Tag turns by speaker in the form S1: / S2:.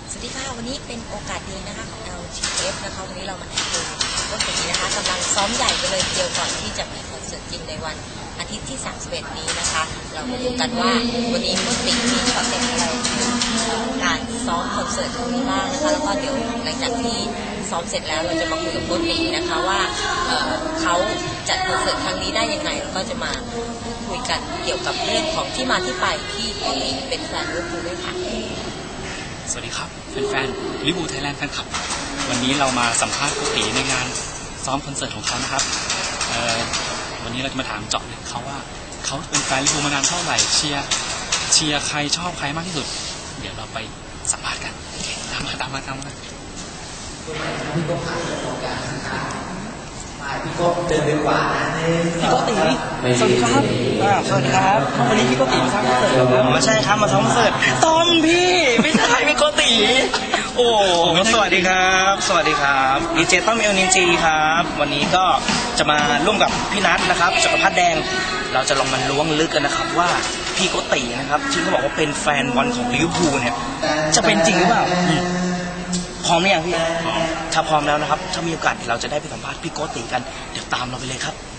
S1: สวัสดีค่ะวันนี้เป็นโอกาสดีนะคะของ LTF นะคะวันนี้เรามาดูต้นปีนะคะกำลังซ้อมใหญ่กันเลยทีเดียวก่อนที่จะมีคอนเสิร์ตจริงในวันอาทิตย์ที่31นี้นะคะเรามาดูกันว่าวันนี้ต้นปีมีช็อตเด็ดอะไรการซ้อมคอนเสิร์ตครั้งนี้บ้างนะคะแล้วก็เดี๋ยวหลังจากที่ซ้อมเสร็จแล้วเราจะมาคุยกับต้นปีนะคะว่าเขาจัดคอนเสิร์ตครั้งนี้ได้ยังไงแล้วก็จะมาพูดคุยกันเกี่ยวกับเรื่องของที่มาที่ไปที่ต้นปีเป็นแฟนลิเวอร์พูลด้วยค่ะ
S2: สวัสดีครับแฟนๆลิเวอร์พูลไทยแลนด์แฟนคลับวันนี้เรามาสัมภาษณ์โกติในงานซ้อมคอนเสิร์ตของเขานะครับวันนี้เราจะมาถามเจาะเลยเขาว่าเขาเป็นแฟนลิเวอร์พูลมานานเท่าไหร่เชียร์ใครชอบใครมากที่สุดเดี๋ยวเราไปสัมภาษณ์กันตามมา
S3: พี่โก้ผ่านตรงกลางนะครับพี่โก้เดินไปขวาพี่โก้ตี
S4: สวัสดีครับสวัสดีครับวันนี้พี่โกติมาซ้อมคอนเสิร์ตครับอ๋อใช่ครับมาซ้อมคอนเสิร์ตต้อมพี่ไม่ใช่พี่โกติโอ้สวัสดีครับสวัสดีครับดีเจต้อมเอลนินจีครับวันนี้ก็จะมาร่วมกับพี่นัทนะครับจักรพัฒน์แดงเราจะลองมาล้วงลึกกันนะครับว่าพี่โกตินะครับที่เขาบอกว่าเป็นแฟนบอลของลิเวอร์พูลเนี่ยจะเป็นจริงหรือเปล่าพร้อมหรือยังพี่ถ้าพร้อมแล้วนะครับถ้ามีโอกาสเราจะได้ไปสัมภาษณ์พี่โกติกันเดี๋ยวตามเราไปเลยครับ